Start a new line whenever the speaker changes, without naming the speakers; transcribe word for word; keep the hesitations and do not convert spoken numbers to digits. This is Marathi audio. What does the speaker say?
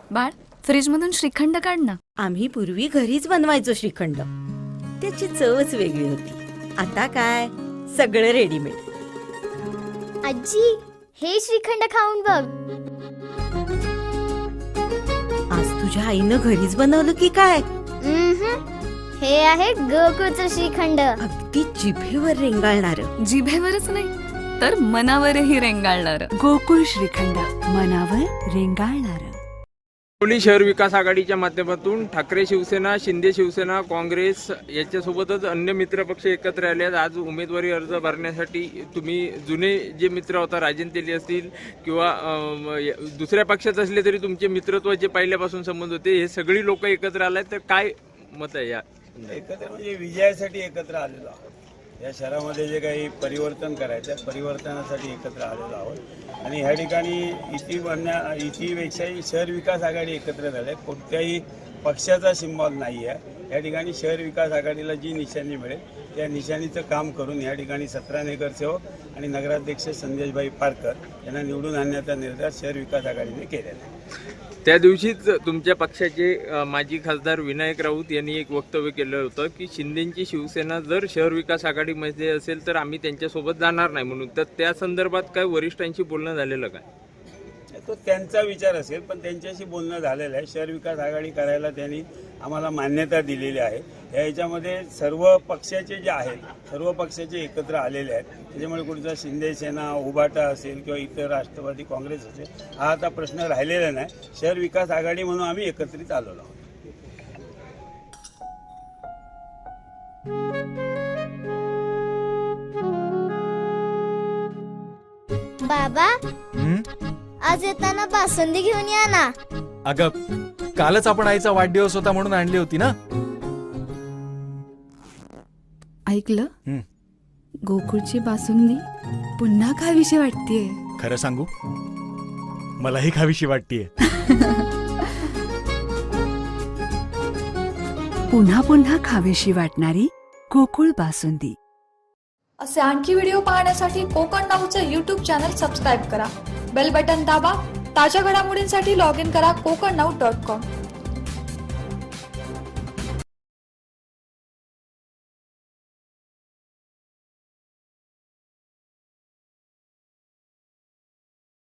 बाळ, फ्रीज मधून श्रीखंड काढ ना.
आम्ही पूर्वी घरीच बनवायचो श्रीखंड. त्याची चवच वेगळी होती. आता काय सगळं रेडीमेड.
आजी, हे श्रीखंड खाऊन बघ.
आज तुझ्या आईनं घरीच बनवलं की काय?
उम्हम. हे आहे गोकुळचं श्रीखंड.
अगदी जिभेवर रेंगाळणार.
जिभेवरच नाही तर मनावरही रेंगाळणार.
गोकुळ श्रीखंड, मनावर रेंगाळणार.
हिंगोली शहर विकास आघाडीच्या माध्यमातून ठाकरे शिवसेना, शिंदे शिवसेना, काँग्रेस याच्यासोबतच अन्य मित्रपक्ष एकत्र आले आहेत. आज उमेदवारी अर्ज भरण्यासाठी तुम्ही जुने जे मित्र होता, राजन तेली असतील किंवा अं, दुसऱ्या पक्षात असले तरी तुमचे मित्रत्वाचे पहिल्यापासून संबंध होते, हे सगळी लोक एकत्र आले आहेत. तर काय मत आहे या?
एकत्र म्हणजे विजयासाठी एकत्र आलेलो आहोत. या शहरामध्ये जे काही परिवर्तन करायचं आहे, परिवर्तनासाठी एकत्र आलेलो आहोत. आणि ह्या ठिकाणी इति म्हणण्या इतिपेक्षाही शहर विकास आघाडी एकत्र झाले. कोणत्याही पक्षाचा सिम्बॉल नाही आहे. या ठिकाणी शहर विकास आघाडीला जी निशाणी मिळेल त्या निशाणीचं काम करून या ठिकाणी सतरा नगरसेवक आणि नगराध्यक्ष संदेशभाई पारकर यांना निवडून आणण्याचा निर्धार शहर विकास आघाडीने केलेला आहे.
त्या दिवशीच तुमच्या पक्षाचे माजी खासदार विनायक राऊत यांनी एक वक्तव्य केलं होतं की शिंदेची शिवसेना जर शहर विकास आघाडीमध्ये असेल तर आम्ही त्यांच्यासोबत जाणार नाही म्हणून. तर त्या संदर्भात काय वरिष्ठांशी बोलणं झालेलं काय?
तो त्यांचा विचार असेल, पण त्यांच्याशी बोलणं झालेलं आहे. शहर विकास आघाडी करायला त्यांनी आम्हाला मान्यता दिलेली आहे. या ह्याच्यामध्ये सर्व पक्षाचे जे आहेत, सर्व पक्षाचे एकत्र आलेले आहेत. त्याच्यामुळे कुठचा शिंदे सेना, उभाटा असेल किंवा इतर राष्ट्रवादी काँग्रेस असेल, हा आता प्रश्न राहिलेला नाही. शहर विकास आघाडी म्हणून आम्ही एकत्रित आलेलो आहोत.
बाबा, आज येताना बासुंदी घेऊन या ना.
अगं, कालच आपण आईचा वाढदिवस होता म्हणून आणली होती ना.
ऐकलं?
हं.
गोकुळची बासुंदी पुन्हा खावीशी वाटतेय.
खरं सांगू, मलाही खावीशी वाटतेय.
पुन्हा पुन्हा खावीशी वाटणारी गोकुळ बासुंदी.
असे आणखी व्हिडिओ पाहण्यासाठी कोकण नाऊचं यूट्यूब चॅनल सबस्क्राईब करा. बेल बटन दाबा. ताज्या घडामोडींसाठी लॉग इन करा कोकण नाऊ डॉट कॉम.